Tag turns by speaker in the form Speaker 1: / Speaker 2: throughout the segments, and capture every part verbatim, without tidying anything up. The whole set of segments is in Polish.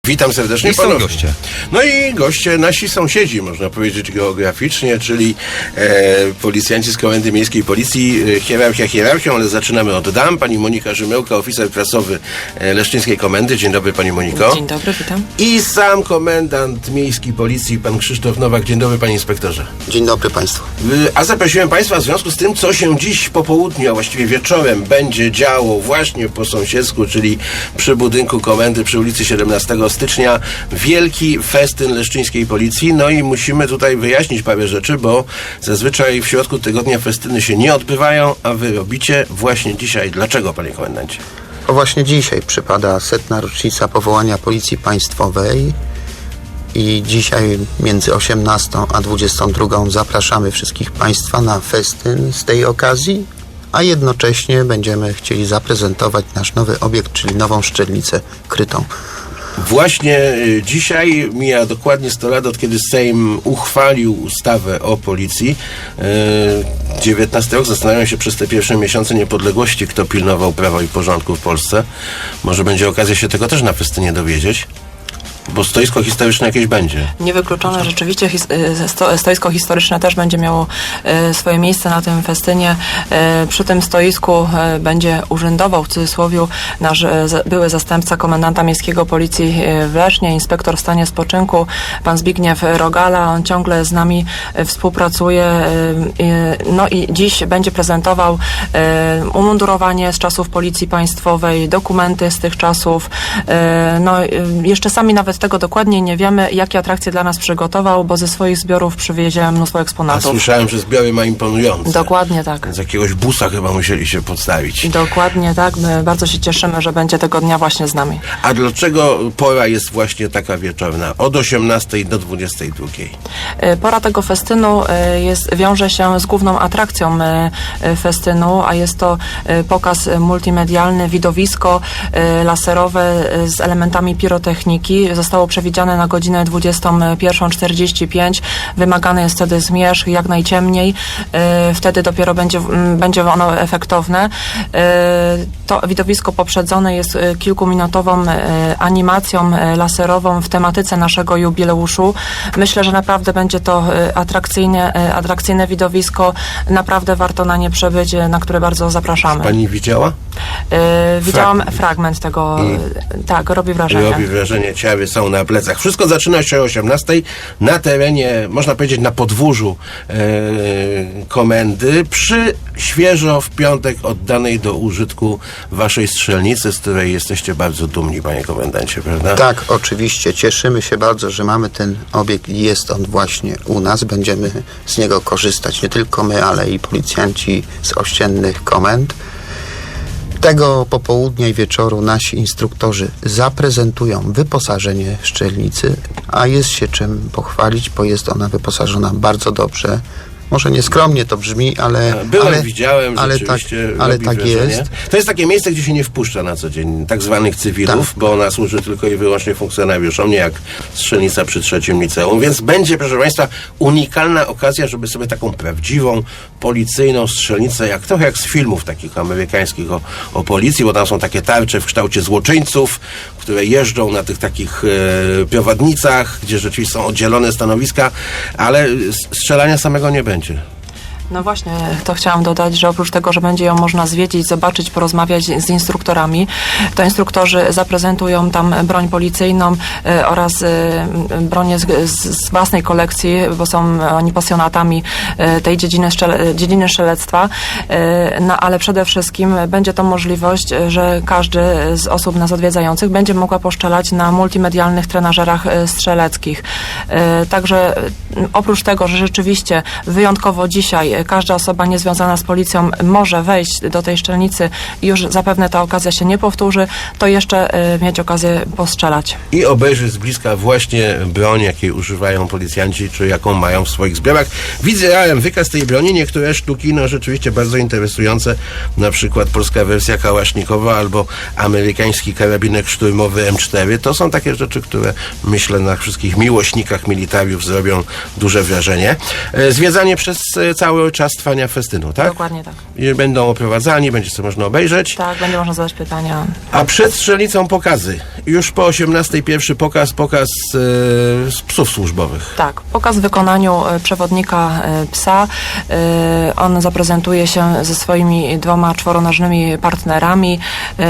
Speaker 1: Witam serdecznie.
Speaker 2: I są goście.
Speaker 1: No i goście, nasi sąsiedzi, można powiedzieć geograficznie, czyli e, policjanci z Komendy Miejskiej Policji. E, hierarchia hierarchią, ale zaczynamy od dam. Pani Monika Rzymyłka, oficer prasowy e, Leszczyńskiej Komendy. Dzień dobry, Pani Moniko.
Speaker 3: Dzień dobry, witam.
Speaker 1: I sam komendant Miejskiej Policji, pan Krzysztof Nowak. Dzień dobry, Panie Inspektorze.
Speaker 4: Dzień dobry Państwu.
Speaker 1: E, a zaprosiłem Państwa w związku z tym, co się dziś po południu, a właściwie wieczorem będzie działo właśnie po sąsiedzku, czyli przy budynku Komendy przy ulicy siedemnastego stycznia. Wielki festyn Leszczyńskiej Policji. No i musimy tutaj wyjaśnić parę rzeczy, bo zazwyczaj w środku tygodnia festyny się nie odbywają, a wy robicie właśnie dzisiaj. Dlaczego, panie komendancie?
Speaker 4: To właśnie dzisiaj przypada setna rocznica powołania Policji Państwowej i dzisiaj między osiemnastą a dwudziestą drugą zapraszamy wszystkich Państwa na festyn z tej okazji, a jednocześnie będziemy chcieli zaprezentować nasz nowy obiekt, czyli nową szczelnicę krytą.
Speaker 1: Właśnie y, dzisiaj mija dokładnie sto lat, od kiedy Sejm uchwalił ustawę o policji. Y, dziewiętnasty rok. Zastanawiam się przez te pierwsze miesiące niepodległości, kto pilnował prawa i porządku w Polsce. Może będzie okazja się tego też na festynie dowiedzieć. Bo stoisko historyczne jakieś będzie.
Speaker 3: Niewykluczone, rzeczywiście his, sto, stoisko historyczne też będzie miało e, swoje miejsce na tym festynie. E, przy tym stoisku e, będzie urzędował w cudzysłowie nasz e, z, były zastępca komendanta miejskiego policji e, w Lesznie, inspektor w stanie spoczynku, pan Zbigniew Rogala. On ciągle z nami e, współpracuje. E, e, no i dziś będzie prezentował e, umundurowanie z czasów Policji Państwowej, dokumenty z tych czasów. E, no e, jeszcze sami nawet tego dokładnie nie wiemy, jakie atrakcje dla nas przygotował, bo ze swoich zbiorów przywiezie mnóstwo
Speaker 1: A
Speaker 3: eksponatów.
Speaker 1: słyszałem, że zbiory ma imponujące.
Speaker 3: Dokładnie tak.
Speaker 1: Z jakiegoś busa chyba musieli się podstawić.
Speaker 3: Dokładnie tak. My bardzo się cieszymy, że będzie tego dnia właśnie z nami.
Speaker 1: A dlaczego pora jest właśnie taka wieczorna? Od osiemnastej do dwudziestej drugiej.
Speaker 3: E, Pora tego festynu e, jest, wiąże się z główną atrakcją e, e, festynu, a jest to e, pokaz multimedialny, widowisko e, laserowe e, z elementami pirotechniki. Zostało przewidziane na godzinę dwudziestą pierwszą czterdzieści pięć. Wymagany jest wtedy zmierzch jak najciemniej. E, Wtedy dopiero będzie, m, będzie ono efektowne. E, To widowisko poprzedzone jest e, kilkuminutową e, animacją e, laserową w tematyce naszego jubileuszu. Myślę, że naprawdę będzie to e, atrakcyjne, e, atrakcyjne widowisko. Naprawdę warto na nie przebyć, e, na które bardzo zapraszamy.
Speaker 1: Pani widziała?
Speaker 3: E, Widziałam
Speaker 1: Fragment.
Speaker 3: fragment tego.
Speaker 1: I?
Speaker 3: E, Tak, robi wrażenie.
Speaker 1: Robi wrażenie, ciały są na plecach. Wszystko zaczyna się o osiemnastej na terenie, można powiedzieć, na podwórzu e, komendy, przy świeżo w piątek oddanej do użytku waszej strzelnicy, z której jesteście bardzo dumni, panie komendancie, prawda?
Speaker 4: Tak, oczywiście. Cieszymy się bardzo, że mamy ten obiekt i jest on właśnie u nas. Będziemy z niego korzystać nie tylko my, ale i policjanci z ościennych komend. Tego popołudnia i wieczoru nasi instruktorzy zaprezentują wyposażenie szczelnicy, a jest się czym pochwalić, bo jest ona wyposażona bardzo dobrze. Może nieskromnie to brzmi, ale...
Speaker 1: Byłem,
Speaker 4: ale,
Speaker 1: widziałem,
Speaker 4: ale
Speaker 1: rzeczywiście
Speaker 4: tak, ale
Speaker 1: robi
Speaker 4: tak
Speaker 1: wrażenie.
Speaker 4: jest.
Speaker 1: To jest takie miejsce, gdzie się nie wpuszcza na co dzień tak zwanych cywilów,
Speaker 4: Tak.
Speaker 1: bo ona służy tylko i wyłącznie funkcjonariuszom, nie jak strzelnica przy trzecim liceum, więc będzie, proszę państwa, unikalna okazja, żeby sobie taką prawdziwą, policyjną strzelnicę, jak trochę jak z filmów takich amerykańskich o, o policji, bo tam są takie tarcze w kształcie złoczyńców, które jeżdżą na tych takich e, prowadnicach, gdzie rzeczywiście są oddzielone stanowiska, ale strzelania samego nie będzie.
Speaker 3: No właśnie, to chciałam dodać, że oprócz tego, że będzie ją można zwiedzić, zobaczyć, porozmawiać z instruktorami, to instruktorzy zaprezentują tam broń policyjną e, oraz e, bronię z, z, z własnej kolekcji, bo są oni pasjonatami e, tej dziedziny, szczele, dziedziny strzelectwa, e, no ale przede wszystkim będzie to możliwość, że każdy z osób nas odwiedzających będzie mogła poszczelać na multimedialnych trenażerach e, strzeleckich. E, także e, oprócz tego, że rzeczywiście wyjątkowo dzisiaj każda osoba niezwiązana z policją może wejść do tej szczelnicy i już zapewne ta okazja się nie powtórzy, to jeszcze y, mieć okazję postrzelać.
Speaker 1: I obejrzeć z bliska właśnie broń, jakiej używają policjanci, czy jaką mają w swoich zbiorach. Widziałem wykaz tej broni, niektóre sztuki, no rzeczywiście bardzo interesujące, na przykład polska wersja kałasznikowa albo amerykański karabinek szturmowy M cztery. To są takie rzeczy, które myślę na wszystkich miłośnikach militariów zrobią duże wrażenie. E, Zwiedzanie przez cały cały czas trwania festynu, tak?
Speaker 3: Dokładnie tak.
Speaker 1: I będą oprowadzani, będzie sobie można obejrzeć.
Speaker 3: Tak, będzie można zadać pytania.
Speaker 1: A przed strzelnicą pokazy. Już po osiemnastej pierwszy pokaz, pokaz e, z psów służbowych.
Speaker 3: Tak, pokaz w wykonaniu e, przewodnika e, psa. E, On zaprezentuje się ze swoimi dwoma czworonożnymi partnerami. E,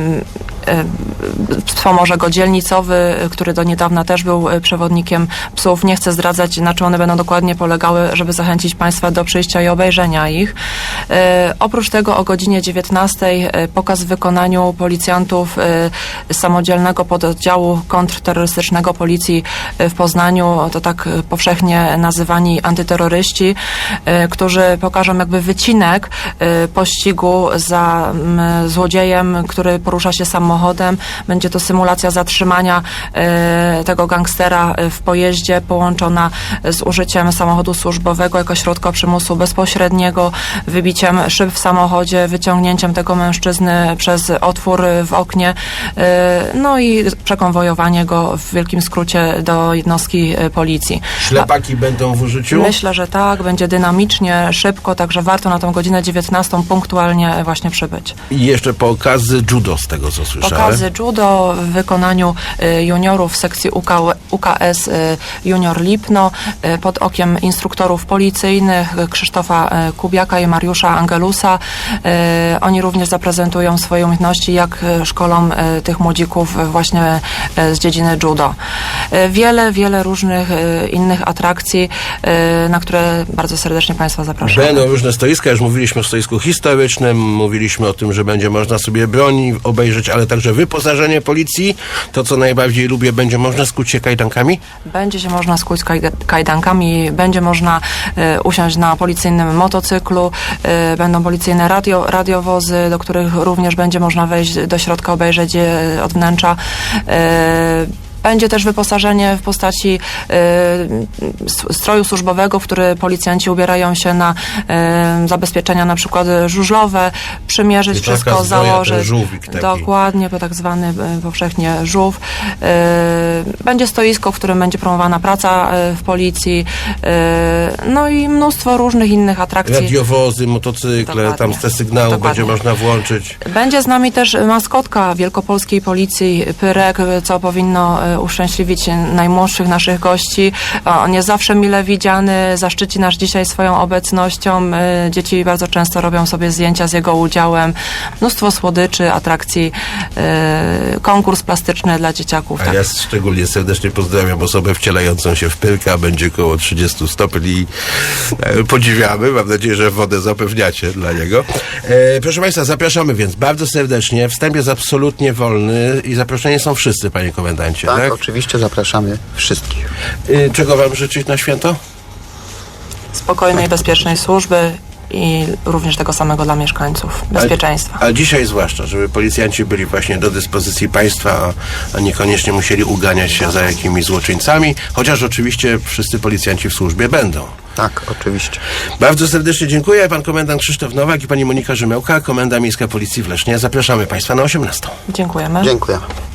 Speaker 3: e, Wspomoże go dzielnicowy, który do niedawna też był e, przewodnikiem psów. Nie chcę zdradzać, na czym one będą dokładnie polegały, żeby zachęcić Państwa do przyjścia i obejrzenia ich. E, Oprócz tego o godzinie dziewiętnastej e, pokaz w wykonaniu policjantów e, samodzielnego pododdziału kontrterrorystycznego Policji w Poznaniu, to tak e, powszechnie nazywani antyterroryści, e, którzy pokażą jakby wycinek e, pościgu za m, złodziejem, który porusza się samochodem. Będzie to symulacja zatrzymania e, tego gangstera w pojeździe połączona z użyciem samochodu służbowego jako środka przymusu bezpośredniego, wybiciem szyb w samochodzie, wyciągnięciem tego mężczyzny przez otwór w oknie, e, no i przekonwojowanie go w wielkim skrócie do jednostki e, policji.
Speaker 1: Ślepaki będą w użyciu?
Speaker 3: Myślę, że tak, będzie dynamicznie, szybko, także warto na tą godzinę dziewiętnastą punktualnie właśnie przybyć.
Speaker 1: I jeszcze pokazy judo, z tego co słyszałem.
Speaker 3: Pokazy judo w wykonaniu y, juniorów w sekcji U K, U K S y, Junior Lipno y, pod okiem instruktorów policyjnych Krzysztofa y, Kubiaka i Mariusza Angelusa. Y, Oni również zaprezentują swoje umiejętności, jak y, szkolą y, tych młodzików właśnie y, z dziedziny judo. Y, Wiele, wiele różnych y, innych atrakcji, y, na które bardzo serdecznie Państwa zapraszam.
Speaker 1: Będą różne stoiska, już mówiliśmy o stoisku historycznym, mówiliśmy o tym, że będzie można sobie broni obejrzeć, ale także wyposażenie policji. To, co najbardziej lubię, będzie można skuć się kajdankami?
Speaker 3: Będzie się można skuć kaj- kajdankami, będzie można e, usiąść na policyjnym motocyklu, e, będą policyjne radio, radiowozy, do których również będzie można wejść do środka, obejrzeć je od wnętrza. E, Będzie też wyposażenie w postaci y, stroju służbowego, w który policjanci ubierają się na y, zabezpieczenia na przykład żużlowe, przymierzyć
Speaker 1: Czyli taka
Speaker 3: wszystko,
Speaker 1: zbroja, ten
Speaker 3: założyć.
Speaker 1: żółwik taki.
Speaker 3: Dokładnie, tak zwany y, powszechnie żółw. Y, będzie stoisko, w którym będzie promowana praca y, w policji, y, no i mnóstwo różnych innych atrakcji.
Speaker 1: Radiowozy, motocykle,
Speaker 3: Dokładnie.
Speaker 1: tam te sygnały
Speaker 3: Dokładnie.
Speaker 1: będzie można włączyć.
Speaker 3: Będzie z nami też maskotka wielkopolskiej policji, Pyrek, co powinno e, uszczęśliwić najmłodszych naszych gości. On jest zawsze mile widziany, zaszczyci nas dzisiaj swoją obecnością. E, Dzieci bardzo często robią sobie zdjęcia z jego udziałem. Mnóstwo słodyczy, atrakcji, e, konkurs plastyczny dla dzieciaków.
Speaker 1: A
Speaker 3: Tak.
Speaker 1: ja szczególnie serdecznie pozdrawiam osobę wcielającą się w Pyrka. Będzie około trzydziestu stopni. E, Podziwiamy. Mam nadzieję, że wodę zapewniacie dla niego. E, proszę Państwa, zapraszamy więc bardzo serdecznie. Wstęp jest absolutnie wolny i zaproszeni są wszyscy, panie komendancie.
Speaker 4: Tak,
Speaker 1: Tak?
Speaker 4: oczywiście zapraszamy wszystkich.
Speaker 1: E, czego wam życzyć na święto?
Speaker 3: Spokojnej, bezpiecznej służby i również tego samego dla mieszkańców. Bezpieczeństwa.
Speaker 1: A, a dzisiaj zwłaszcza, żeby policjanci byli właśnie do dyspozycji państwa, a, a niekoniecznie musieli uganiać się za jakimiś złoczyńcami, chociaż oczywiście wszyscy policjanci w służbie będą.
Speaker 4: Tak, oczywiście.
Speaker 1: Bardzo serdecznie dziękuję. Pan komendant Krzysztof Nowak i pani Monika Rzymiełka, Komenda Miejska Policji w Lesznie. Zapraszamy Państwa na osiemnastą.
Speaker 3: Dziękujemy.
Speaker 4: Dziękujemy.